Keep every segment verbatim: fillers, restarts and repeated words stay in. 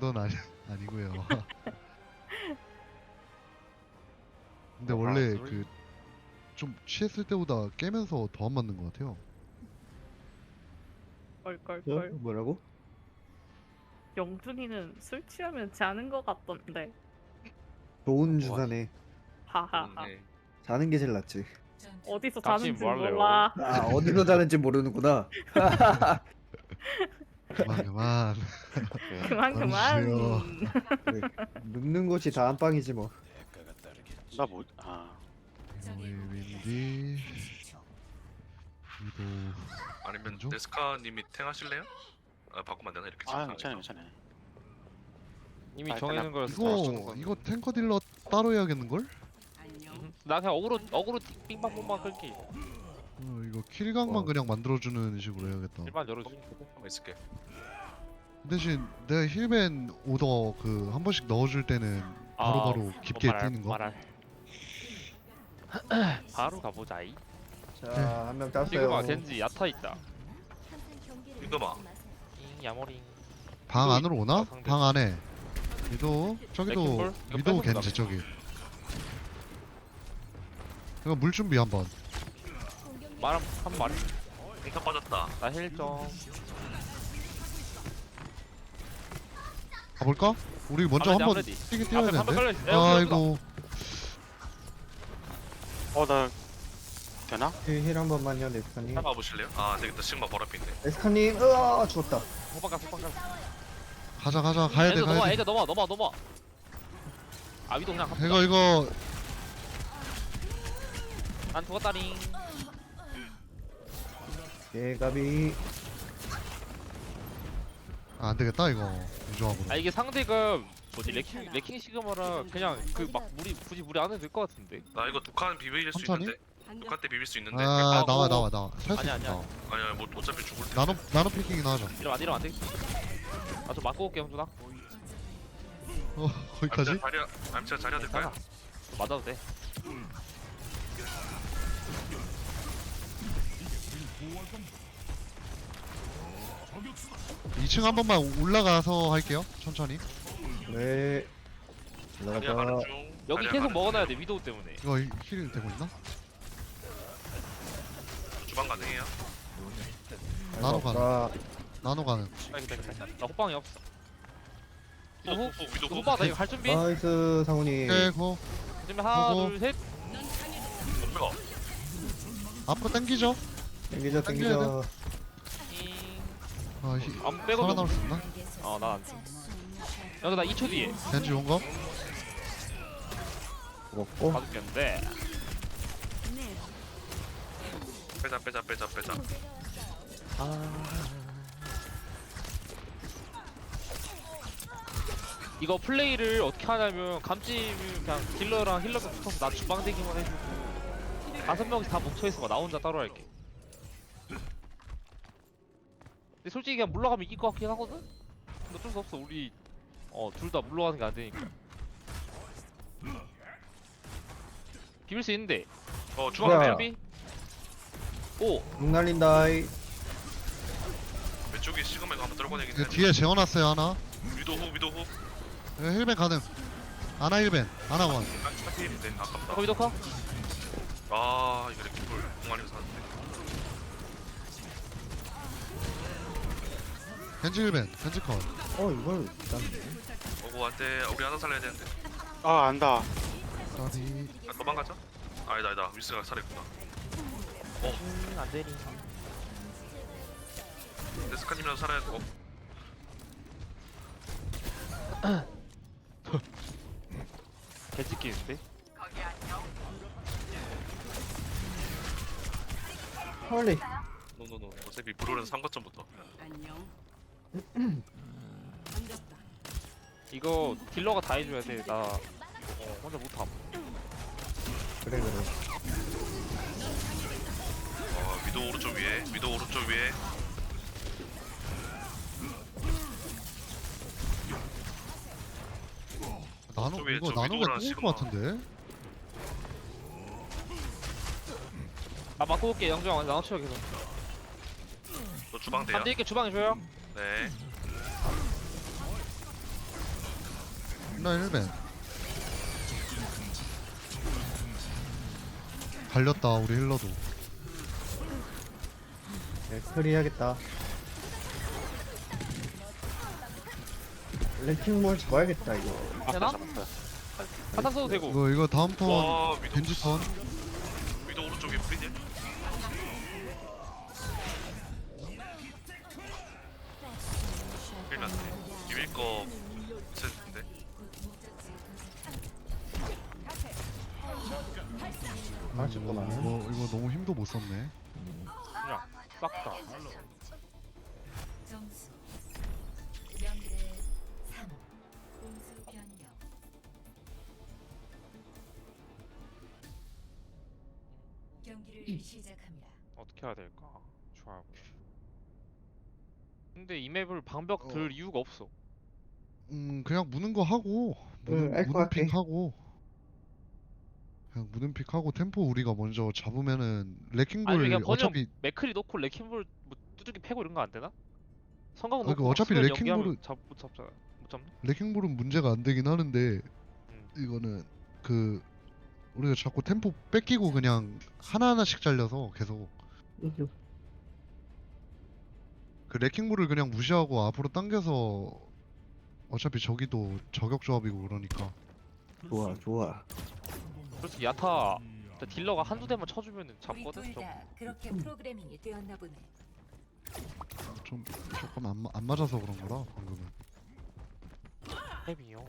정도는 아니, 아니고요. 근데 어, 원래 아, 그 좀 취했을 때보다 깨면서 더 안 맞는 것 같아요. 어? 껄껄껄. 뭐라고? 영준이는 술 취하면 자는 것 같던데. 좋은 와. 주사네. 하하하. 네. 자는 게 제일 낫지. 어디서 당신 자는지 뭐 할래요? 몰라. 아 어디서 자는지 모르는구나. 그만 그만. 네. 그만 그만. 그만해주세요. 그래. 눕는 곳이 다 안방이지 뭐. 나 뭐? 아. 우리 윈디 위도 아니면 왼쪽? 네스카님이 탱하실래요? 아 바꾸면 안 되나 이렇게 아 상상해서. 괜찮아요 괜찮아요. 이미 아, 정해진 거라서 다 이거 쓰는 건- 이거 탱커 딜러 따로 해야겠는 걸? 음. 나 그냥 어그로 어그로 빙빵봉빵 끌기. 어, 이거 킬각만 어. 그냥 만들어주는 식으로 해야겠다. 일반 열어주기. 한번 있을게. 대신 내가 힐벤 오더 그 한 번씩 넣어줄 때는 바로바로 깊게 뭐 말할- 뛰는 거. 말할. 바로 가보자이. 자 한 명 지금아 땄어요. 겐지 야타 있다. 이거마. 잉 야모링. 방 위도 안으로 오나? 있다, 상대. 방 안에 위도 저기도 레킹볼? 이거 위도 뺏어보자. 겐지 저기. 이거 물 준비 한번. 말한 한 마리. 탱커 빠졌다. 나 힐정. 가볼까? 우리 먼저 아무래도 한번 아무래도. 뛰긴 뛰어야 앞에 한번 되는데. 걸려. 야, 여기 아이고 어나 되나? 힐 한 번만요 네스카님. 탱가 보실래요? 아 안되겠다. 시그마 바로 앞에 있네. 네스카님 으아 죽었다. 호박가 호박가. 가자 가자 가야 돼 애들 넘어 가야 돼. 애들 넘어 넘어 넘어. 아 위도 그냥 이거 이거 난 죽었다링. 개가비. 아, 안 되겠다 이거 유저하고. 아 이게 상대가 뭐지 레킹 레킹 시그마라 그냥 그 막 무리 굳이 무리 안 해도 될 것 같은데. 나 이거 독한 비빌 수 천천히? 있는데. 독한 때 비빌 수 있는데. 아 아, 나와 어, 나와 나와. 살수 아니야, 있다. 아니야. 아니야 뭐 어차피 죽을 때. 나노 나노 피킹이나 하자. 이러면 안 이러면 안 돼. 아좀 맞고 올게 형준아. 어 거기까지? 자리야. 암치가 자리야 될까요? 괜찮아. 맞아도 돼. 이 층 한 번만 올라가서 할게요. 천천히. 네. 자리야 가는 올라가자. 중. 여기 자리야 계속 가는 먹어놔야 중. 돼 위도우 때문에. 이거 힐 되고 있나? 주방 가능해요? 나노 가는. 자, 나노 가는. 아 기다 기다. 나 호빵이 없어. 호, 위도 호, 호. 위도 호. 호빵 나 이거 갈 준비. 나이스 상훈이. 깨고 준비 하나 호호. 둘 셋. 덤벼. 앞으로 당기죠. 땡기자 당겨야 땡기자. 잉. 아 히, 안 빼고 살아남을 수 있나? 어나안 돼. 여기 나 이 초 뒤에 겐지 온 거? 죽었고. 봐줄겠는데. 빼자 빼자 빼자 빼자. 이거 플레이를 어떻게 하냐면 감찜이 그냥 딜러랑 힐러가 붙어서 나 주방대기만 해주고 다섯 명이 다 뭉쳐있어. 나 혼자 따로 할게. 근데 솔직히 그냥 물러가면 이길 것 같긴 하거든? 근데 어쩔 수 없어. 우리 어 둘 다 물러가는 게 안 되니까. 비빌 수 있는데. 어 주방 주방 뭐야? 빼야. 준비. 오. 룩 날린다이. 왼쪽에 시그마가 한번 떨궈내긴 그 해. 뒤에 재워놨어요 하나. 위도 호 위도 호. 이거 힐벤 가능. 아나 힐벤. 아나 원. 아 스타필인데 아깝다. 커비 더커. 아 이거 이렇게 볼 공안에서 사는데. 겐지 힐벤. 겐지 컷. 어 이걸 짠. 오고 안돼. 우리 하나 살려야 되는데. 아 안다. 까비. 아, 도망가자. 아니다 아니다. 위스가 살했구나. 음, 안 되니. 데스카님이라도 살아야 돼. 어? 개찍기인데? 헐리. 노노노. 어차피 브로는 삼 거점부터. 이거 딜러가 다 해줘야 돼. 나 어, 혼자 못함. 그래 그래. 어 위도 오른쪽 위에. 위도 오른쪽 위에. 나노 저쪽에 이거 저 나노가 위도우랑 뚫을 시그마. 것 같은데? 나 맞고 올게. 영정 나눠 치워 계속. 너 주방 돼요? 잠들 있게 주방에 줘요. 네. 나 힐벤 갈렸다 우리 힐러도. 네, 스크리 해야겠다. 랭킹몰 잡아야겠다 이거. 되나? 사탕 써도 되고. 이거 이거 다음 턴 와 위도 겐지 턴. 위도 오른쪽에 프리딜. 일면 이윌 거 있을 텐데. 아 이거, 잠깐만. 이거 이거 너무 힘도 못 썼네. 그냥 싹 다. 점수 영 대 삼 공수 변경 경기를 시작합니다. 어떻게 해야 될까? 좋아요. 근데 이 맵을 방벽 어. 들 이유가 없어. 음 그냥 무는 거 하고 무는, 응, 알것 무는 같아. 픽 하고 그냥 무는 픽 하고 템포 우리가 먼저 잡으면은 아니 레킹볼 그냥 번영 어차피 맥크리 놓고 레킹볼 뭐 두들기 패고 이런 거 안 되나? 성광 아, 놓고 그 어차피 수면 레킹볼은- 연기하면 잡, 못 잡잖아. 못 잡나? 레킹볼은 문제가 안 되긴 하는데 음. 이거는 그 우리가 자꾸 템포 뺏기고 그냥 하나하나씩 잘려서 계속 그 레킹볼을 그냥 무시하고 앞으로 당겨서 어차피 저기도 저격 조합이고 그러니까 좋아 좋아. 솔직히 야타 진짜 딜러가 한두 대만 쳐주면은 우리 잡거든. 둘 저 다 그렇게 프로그래밍이 되었나 보네. 좀 조금 안, 마- 안 맞아서 그런 거라 방금은. 햄이요.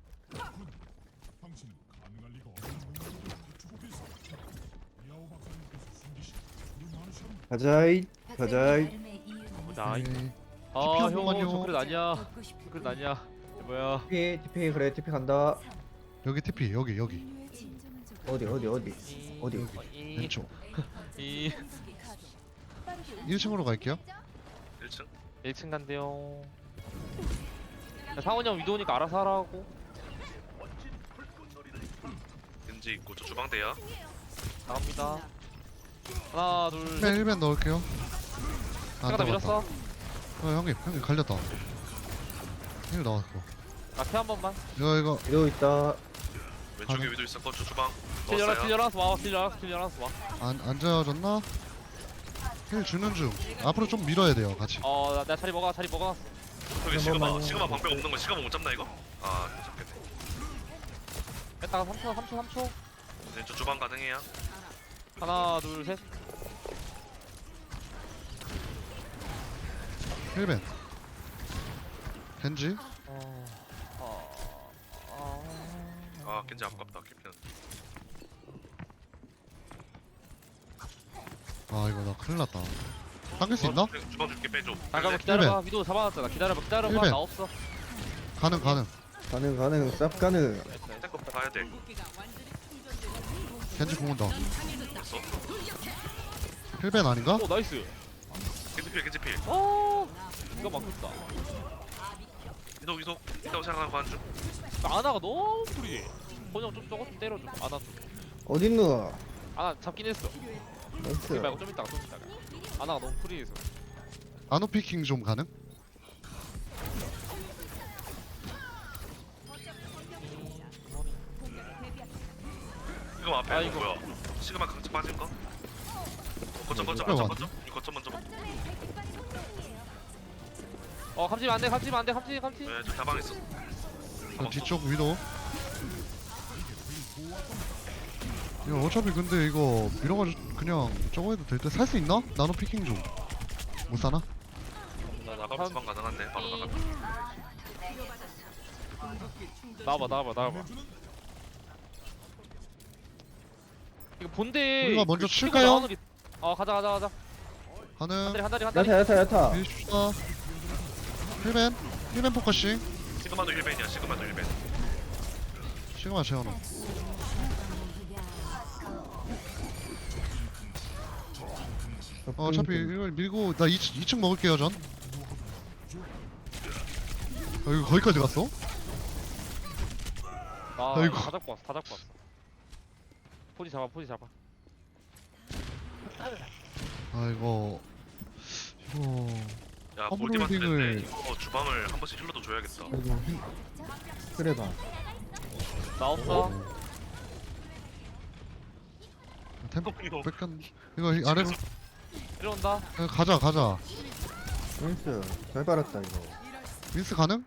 가자이 가자이. 나름의 이유는 나이. 네. 아 한 형, 번만요. 저 그래 아니야. 듣고 싶은 그래 아니야. 뭐야? 티피 티피 그래 티피 간다. 여기 티피 여기 여기 진정한 적 어디 어디 어디 이- 어디? 이- 왼쪽 이 일 층으로 갈게요. 일 층. 일 층 간대요. 야, 상원이 형 위도우니까 알아서 하라고. 겐지 있고 저 주방대야. 나갑니다. 하나 둘 셋. 네, 일 벤 넣을게요. 안 제가 다 잡았다. 밀었어. 어, 형님 형님 갈렸다. 일 나왔어. 나피한 번만. 이거 이거 이거 있다. 왼쪽에 가능. 위도 있었고 저 주방 딜 열어 딜 넣었어요. 열어서 와. 딜 열어서 딜 열어서 와. 안 앉아졌나? 힐 주는 중. 앞으로 좀 밀어야 돼요 같이. 어, 나, 내가 자리 먹어, 자리 먹어. 저기 시그마 잠깐만요. 시그마 방벽 없는 거 시그마 못 잡나 이거? 아 못 잡겠네. 뺐다가 삼 초, 삼 초, 삼 초. 네, 저 주방 가능해요. 하나, 둘, 셋. 힐 벤. 겐지. 어, 어, 어. 아 겐지 아깝다 캡틴. 아 이거 나 큰일 났다. 당길 수 있나? 주방 줄게 빼줘. 잠깐만 기다려봐. 위도 잡아놨잖아. 기다려봐, 기다려봐. 일벤. 나 없어. 가능 가능. 가능 가능 쌉 가능. 됐어, 됐어. 탱커 가야 돼. 겐지 공 온다. 됐어. 힐 벤 아닌가? 오, 나이스. 겐지 필 겐지 필. 어, 이거 막혔다. 이속 이속 이속 생각하고 한 중. 아나가 너무 프리해. 번영 좀 저거 좀 때려줘. 아나, 어딨노? 아나 잡긴 했어. 나이스. 그리 말고 좀 이따가, 좀 이따가. 아나가 너무 프리해서. 나노 피킹 좀 가능? 이거 앞에 아, 이거 이거. 뭐야? 시그마 강치 빠진 거? 거점 거점 이거 거점 왔네. 거점. 이거 거점 먼저. 먹- 어, 감지면 안 돼, 감지면 안 돼, 감지, 감지. 네, 저 다방 있어. 그 뒤쪽 위도. 이거 어차피 근데 이거 밀어가지고 그냥 저거 해도 될 때 살 수 있나? 나노 피킹 좀. 못 사나? 나 나가 주방 가능한데 바로 나가. 나와봐, 나와봐, 나와봐. 이거 본대. 우리가 먼저 그 치고 칠까요? 나오는 게- 어, 가자, 가자, 가자. 한 다리, 가능. 한 다리, 한 다리. 야타 야타 야타. 밀시다. 힐벤. 힐벤 포커싱. 시그마도 힐벤이야. 시그마도 힐벤. 시그마 재현호. 어, 어차피 이걸 밀고 나 이 층 먹을게요 전. 어, 이거 거기까지 갔어? 아, 아이고. 다 잡고 왔어, 다 잡고 왔어. 포지 잡아, 포지 잡아. 아 이거 이거 야 허브홀딩을- 골디만트인데 이거 주방을 한 번씩 힐러도 줘야겠다. 이거 힘- 그래 봐. 나 없어. 템포 이거 뺏겼. 이거 이 아래로 내려온다. 야, 가자 가자. 나이스. 잘 빨았다 이거. 윈스 가능?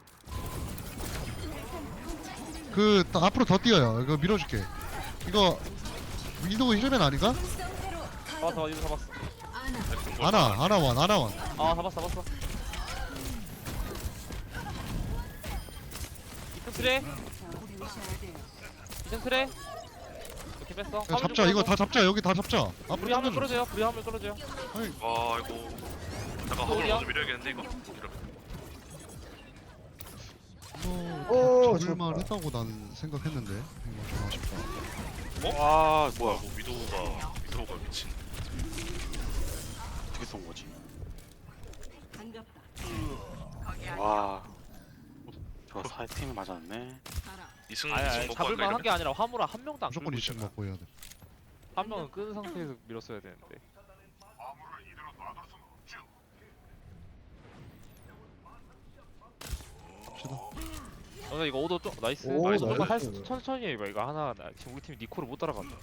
그 더- 앞으로 더 뛰어요. 이거 밀어줄게. 이거 위도우 힐맨 아닌가? 잡았어, 이거 잡았어. 아나 아나원 아나원. 아, 잡았어, 잡았어. 이층 트레. 이층 트레. 이렇게 뺐어. 야, 잡자 이거 다 잡자 여기 다 잡자. 앞으로 우리 한번 당겨줘. 끌어줘요. 우리 한번 끌어줘요. 아 이거 잠깐 화물 어디야? 먼저 밀어야겠는데 이거. 이거 오, 잡을만 좋다. 했다고 난 생각했는데 이거 좀 아쉽다. 와 뭐야 뭐 위도우가 위도우가 미친. 어떻게 쏜 거지? 와, 저 사이팅을 맞았네. 이승 아니, 이승 아니 먹고 잡을만 한 할까 게 아니라 화물아 한 명도 안 무조건 끌고 이 층 있잖아. 먹고 해야 돼. 한 명은 끈 상태에서 밀었어야 되는데. 갑시다. 너네 이거 오도 좀 나이스. 오, 나이스. 나이스. 할 수- 천천히 해봐. 이거 하나 나 지금 우리 팀이 니코를 못 따라간다.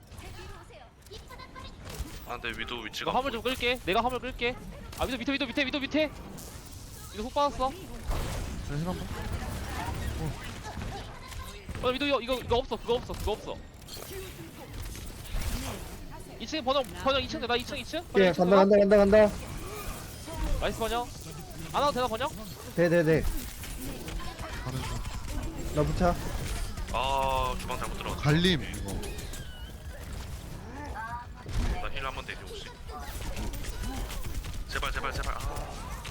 아 근데 위도우 이거 위치가 화물 좀 끌게. 내가 화물 끌게. 아 위도 밑에 위도 밑에 위도 밑에. 위도 훅 빠졌어. 자, 힐 한번. 어 위도 이거 이거 이거 없어. 그거 없어. 그거 없어. 이 층 번영 번영 이 층 나 이 층 이 층. 예, 간다 간다 간다 간다. 나이스 번영. 안 와도 되나 번영? 네네네. 가는 중. 나 붙여. 아 주방 잘못 들어갔다. 갈림 이거. 나힐 한번 대기 혹시. 제발 제발 제발. 아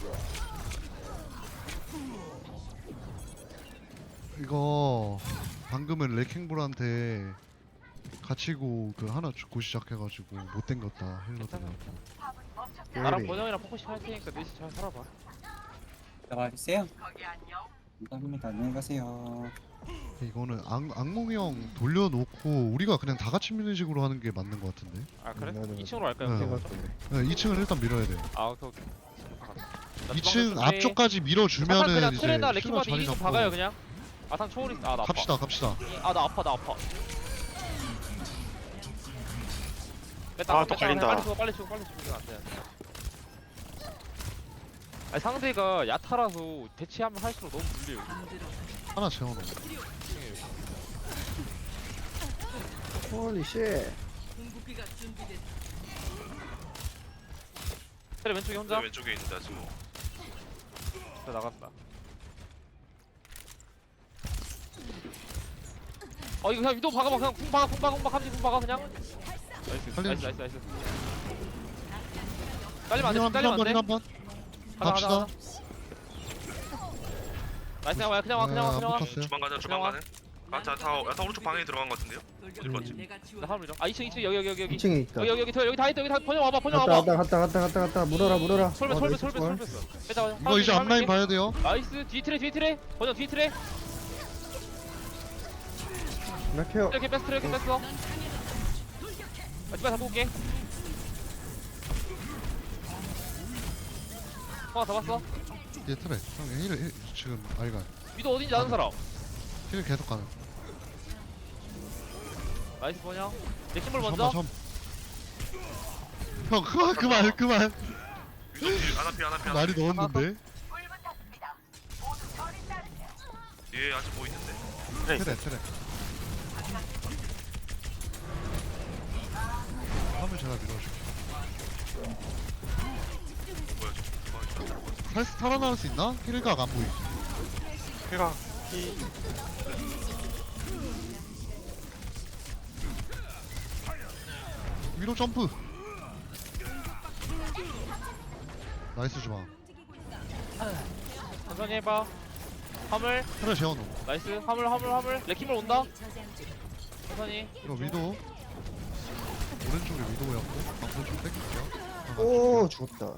이거 방금은 레킹볼한테 갇히고 그 하나 죽고 시작해가지고 못 땡겼다 힐러들. 나랑 예리. 번영이랑 포커싱 할 테니까 넷이 잘 살아봐. 나가주세요. 감사합니다. 안녕히 가세요. 이거는 악, 악몽이 형 돌려놓고 우리가 그냥 다 같이 미는 식으로 하는 게 맞는 것 같은데. 아 그래? 네, 네, 네. 이 층으로 갈까요? 네. 그럼 제가 먼저? 또. 네, 이 층은 일단 밀어야 돼. 아 오케이 오케이. 나 이 주방 층 좀 앞쪽까지 차탄 밀어주면은 그냥 이제 트레나 힐러 레킹마드 자리 일 인 잡고 박아요 그냥. 아상 초월이 아나 아파. 갑시다 갑시다. 아 나 아파 나 아파. 뺐다, 아, 뺐다, 또 갈린다. 빨리 죽어 빨리 죽어 빨리 죽으면 안 돼. 아니 상대가 야타라서 대치하면 할수록 너무 불리해요. 하나 채워놓어. 홀리 쉣. 트레 왼쪽에 내 혼자. 왼쪽에 있는데 아직 뭐. 트레 나간다. 어 이거 그냥 위도 박아봐 그냥 궁 박아 궁 박아 궁 박아 함지 궁 박아 그냥. 나이스 살리는 나이스 나이스 나이스. 딸리면 안돼 힐 딸리면 한번 힐 안돼. 한번. 가자, 갑시다. 가자, 가자. 나이스 그냥 와 그냥 와 그냥 와 그냥 와. 아, 붙었어요. 주방 가자 주방 그냥 가네. 아다다 야타 오른쪽 방에 들어간 것 같은데요? 어딜 봤지? 나 화물 밀어. 아 이 층 이 층 여기 여기 여기 여기. 이 층에 있다. 여기 여기 여기 더 여기 다 있다 여기 다 번영 와봐 번영 갔다 와봐. 갔다 갔다 갔다 갔다 갔다 물어라 물어라. 솔베 어, 솔베 나이스 솔베 좋아. 솔베. 빼자. 이거 이제 앞라인 봐야 돼요. 나이스 뒤 트레 뒤 트레 번영 뒤 트레. 나 케어. 이렇게 뺐어 이렇게 뺐어. 아 집에 잡고 올게. 어 잡았어. 얘 트레. 형 힐, 힐 지금 알가. 위도 어딘지 아는 사람. 힐 계속 가는. 나이스 번영. 내 팀볼 점, 먼저. 점. 형 그만 그만 그만. 위도우 뒤 아나피 아나피 아나피. 많이 넣었는데. 얘 아직 뭐 있는데. 그래, 트레 트레. 화물 제가 밀어줄게. 뭐야 지금 주방이 잘 들어갔어. 살 살아나올 수 있나? 힐각 안 보이. 해가 위로 점프. 나이스 주방. 천천히 해봐. 화물. 트레 재워놓. 나이스. 화물 화물 화물. 레킹볼 온다. 천천히. 이거 위도. 오른쪽에 위도였고 앞으로 좀 땡길게요. 하나 오 줄게요. 죽었다.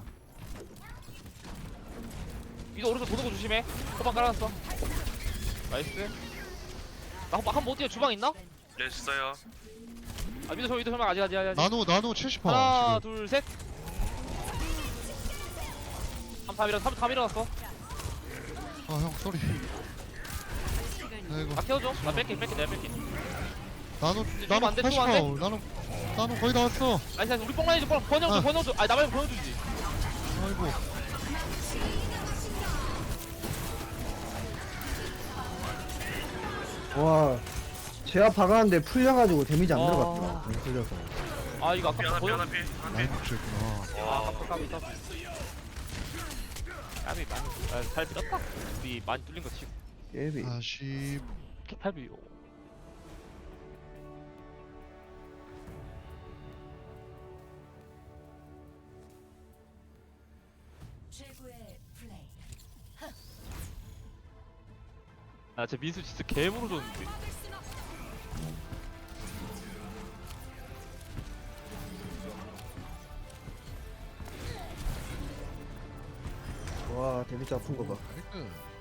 위도 오른쪽 도는 거 조심해. 호방 깔아놨어. 나이스. 나 호방 한번 못 뛰어. 주방 있나? 네 있어요. 아 위도 저 위도 설마 아직 아직 아직. 나노 나노 칠십 퍼 하나 지금. 둘 셋. 삼 다 밀어 삼 다 밀어놨어. 아 형 쏘리. 나 이거 아 키워줘. 나 뺄게 뺄게 내가 뺄게. 나노 좀 나노 안 돼, 팔십 좀 안 돼? 파워 나노 나노 거의 다 왔어. 아니 아니 우리 뽕라인 좀 번영줘 아. 번영줘. 아니 나 말고 번영주지. 아이고 와 제압 박았는데 풀려가지고 데미지 안 아. 들어갔다. 안 풀려서. 아 이거 아까 미안하 번영. 미안하 피. 라인 복수했구나. 아 까비 까비 까비. 까비 많이. 아잘 밀었다. 우리 많이 뚫린 거 치고. 예비. 다시 팔비요. 최고의 플레이. 아제 민수 진짜 개무로 줬는데. 와 데미지 아픈 거 봐. 나이스.